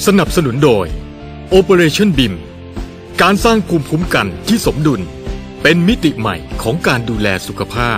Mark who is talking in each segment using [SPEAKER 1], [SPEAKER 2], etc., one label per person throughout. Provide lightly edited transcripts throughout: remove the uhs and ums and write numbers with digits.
[SPEAKER 1] สนับสนุนโดย Operation BIM การสร้างภูมิคุ้มกันที่สมดุลเป็นมิติใหม่ของการดูแลสุขภาพ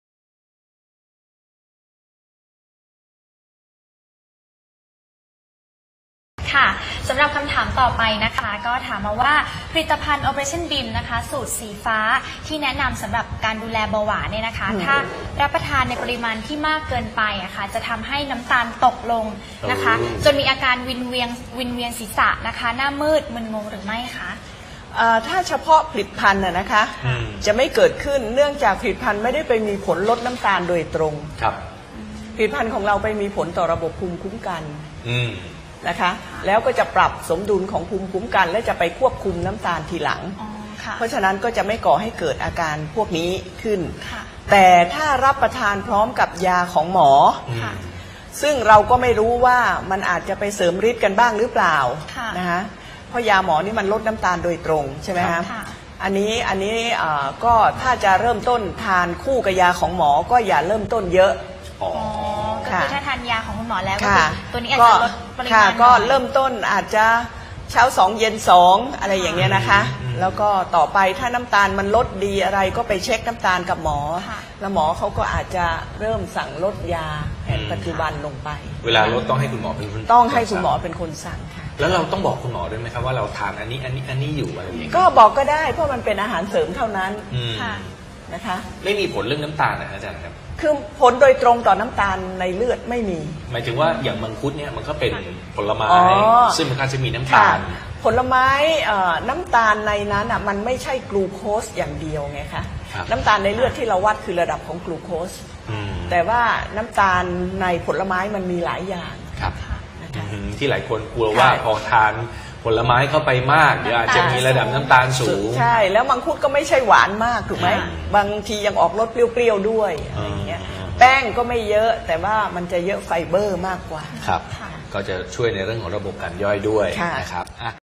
[SPEAKER 2] ค่ะสำหรับคำถามต่อไปนะคะก็ถามมาว่าผลิตภัณฑ์ Operation BIM นะคะสูตรสีฟ้าที่แนะนำสำหรับการดูแลเบาหวานเนี่ยนะคะถ้ารับประทานในปริมาณที่มากเกินไปอะคะจะทำให้น้ำตาลตกลงนะคะจนมีอาการวิงเวียนศีรษะนะคะหน้ามืดมึนงงหรือไม่คะ
[SPEAKER 3] ถ้าเฉพาะผลิตภัณฑ์นะคะจะไม่เกิดขึ้นเนื่องจากผลิตภัณฑ์ไม่ได้ไปมีผลลดน้ำตาลโดยตรงครับผลิตภัณฑ์ของเราไปมีผลต่อระบบภูมิคุ้มกันนะคะแล้วก็จะปรับสมดุลของภูมิคุ้มกันและจะไปควบคุมน้ำตาลทีหลังเพราะฉะนั้นก็จะไม่ก่อให้เกิดอาการพวกนี้ขึ้นแต่ถ้ารับประทานพร้อมกับยาของหมอซึ่งเราก็ไม่รู้ว่ามันอาจจะไปเสริมฤทธิ์กันบ้างหรือเปล่านะคะเพราะยาหมอนี่มันลดน้ำตาลโดยตรงใช่ไหมคะอันนี้ก็ถ้าจะเริ่มต้นทานคู่กับยาของหมอก็อย่าเริ่มต้นเยอะ
[SPEAKER 2] ก็คือถ้าทานยาของคุณหมอแล้วก็ตัวนี้อาจจะลดปริมาณ
[SPEAKER 3] ก็เริ่มต้นอาจจะเช้า2เย็น2อะไรอย่างเงี้ยนะคะแล้วก็ต่อไปถ้าน้ำตาลมันลดดีอะไรก็ไปเช็คน้ำตาลกับหมอแล้วหมอเขาก็อาจจะเริ่มสั่งลดยาแผนปัจจุบันลงไป
[SPEAKER 4] เวลาลดต้องให้คุณหมอเป็นคน
[SPEAKER 3] ต้องให้คุณหมอเป็นคนสั่งค่ะ
[SPEAKER 4] แล้วเราต้องบอกคุณหมอด้วยไหมครับว่าเราทานอันนี้อยู่อะไรอย่างเงี้ย
[SPEAKER 3] ก็บอกก็ได้เพราะมันเป็นอาหารเสริมเท่านั้นนะคะ
[SPEAKER 4] ไม่มีผลเรื่องน้ำตาลนะอาจารย์ครับ
[SPEAKER 3] คือผลโดยตรงต่อน้ำตาลในเลือดไม่มี
[SPEAKER 4] หมายถึงว่าอย่างมังคุดเนี่ยมันก็เป็นผลไม้ซึ่งมันก็จะมีน้ำตาล
[SPEAKER 3] ผลไม้น้ำตาลในนั้นมันไม่ใช่กลูโคสอย่างเดียวไงคะน้ำตาลในเลือดที่เราวัดคือระดับของกลูโคสแต่ว่าน้ำตาลในผลไม้มันมีหลายอย่าง
[SPEAKER 4] ที่หลายคนกลัวว่าพอทานผลไม้เข้าไปมากเดี๋ยวอาจจะมีระดับน้ำตาลสูง
[SPEAKER 3] ใช่แล้วมังคุดก็ไม่ใช่หวานมากถูกไหมบางทียังออกรสเปรี้ยวๆด้วยอะไรอย่างเงี้ยแป้งก็ไม่เยอะแต่ว่ามันจะเยอะไฟเบอร์มากกว่า
[SPEAKER 4] ครับก็จะช่วยในเรื่องของระบบการย่อยด้วยนะครับ